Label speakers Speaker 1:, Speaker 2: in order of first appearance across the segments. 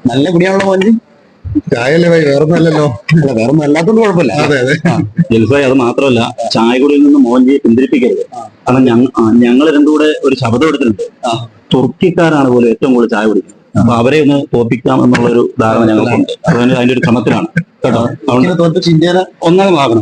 Speaker 1: നല്ല കുടിയാണല്ലോ മോൻജി.
Speaker 2: ചായല്ലേ ഭായി, വേറൊന്നല്ലല്ലോ.
Speaker 1: അല്ല, വേറൊന്നും അല്ലാത്തോണ്ട് കുഴപ്പമില്ല.
Speaker 2: അതെ അതെ.
Speaker 3: ജൽസായി, അത് മാത്രമല്ല ചായകുടിയിൽ നിന്ന് മോഹൻജിയെ പിന്തിരിപ്പിക്കരുത്. കാരണം ഞങ്ങൾ രണ്ടും കൂടെ ഒരു ശബ്ദം എടുത്തിട്ടുണ്ട്. തുർക്കിക്കാരാണ് പോലും ഏറ്റവും കൂടുതൽ ചായ കുടിക്കുന്നത്. അപ്പൊ അവരെ ഒന്ന് തോപ്പിക്കാം എന്നുള്ള ഒരു ധാരണ ഞങ്ങൾക്കുണ്ട്. അതുകൊണ്ട് അതിന്റെ ഒരു ശ്രമത്തിലാണ് കേട്ടോ. അതുകൊണ്ട്
Speaker 1: ഇന്ത്യയിലെ
Speaker 3: ഒന്നാമതാകണം.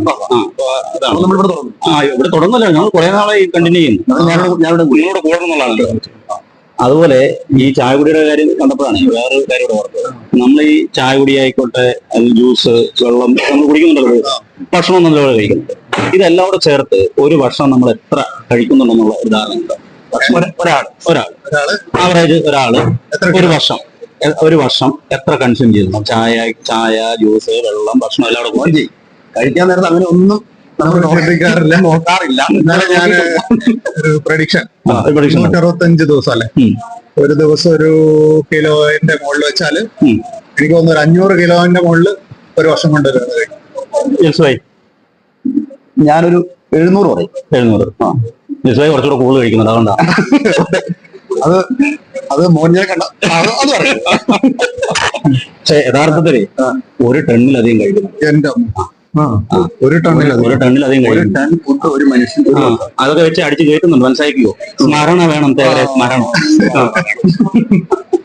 Speaker 3: ഇവിടെ തുടർന്നല്ല, ഞങ്ങൾ കുറെ നാളെ കണ്ടിന്യൂ ചെയ്യുന്നു. നിങ്ങളോട് കൂടണം എന്നുള്ളതാണ്. അതുപോലെ ഈ ചായകുടിയുടെ കാര്യം കണ്ടപ്പോഴാണ് വേറൊരു കാര്യം ഇവിടെ ഓർത്തത്. നമ്മൾ ഈ ചായകുടി ആയിക്കോട്ടെ, ജ്യൂസ്, വെള്ളം നമ്മൾ കുടിക്കുന്നുണ്ടല്ലോ, ഭക്ഷണം നല്ലപോലെ കഴിക്കുന്നുണ്ട്. ഇതെല്ലാം കൂടെ ചേർത്ത് ഒരു വർഷം നമ്മൾ എത്ര കഴിക്കുന്നുണ്ടെന്നുള്ള ഒരു ധാരണ ഉണ്ട്. ഒരാൾ ആവറേജ് ഒരാള് ഒരു വർഷം എത്ര കൺസ്യൂം ചെയ്യുന്നു? ചായ, ജ്യൂസ്, വെള്ളം, ഭക്ഷണം എല്ലാം കൂടെ
Speaker 1: കഴിക്കാൻ നേരത്ത് അങ്ങനെ ഒന്നും
Speaker 2: നോക്കാറില്ല. എന്നാലും ഞാൻ ഒരു പ്രഡിക്ഷൻ, 165 ദിവസം അല്ലെ, ഒരു ദിവസം ഒരു കിലോന്റെ മുകളിൽ വെച്ചാല് എനിക്ക് തോന്നുന്നു ഒരു 500 കിലോന്റെ മുകളിൽ ഒരു വർഷം കൊണ്ട്
Speaker 3: ജൽസായി
Speaker 1: ഞാനൊരു 700 പറയും.
Speaker 3: 700. ജൽസായി കുറച്ചുകൂടെ കൂടുതൽ കഴിക്കുന്നുണ്ട്, അതുകൊണ്ടാണ്.
Speaker 1: അത് മോനെ കണ്ട അത് പറയും.
Speaker 3: പക്ഷെ യഥാർത്ഥത്തില് 1 ടണ്ണിലധികം കഴിക്കുന്നു.
Speaker 2: എന്റെ ഒരു
Speaker 3: ടണ്ണിലധികം കഴിക്കും
Speaker 1: ഒരു മനുഷ്യൻ.
Speaker 3: അതൊക്കെ വെച്ച് അടിച്ച് കയറ്റുന്നുണ്ട്. മനസ്സിലാക്കിയോ? സ്മരണ വേണം, തേവരെ സ്മരണം.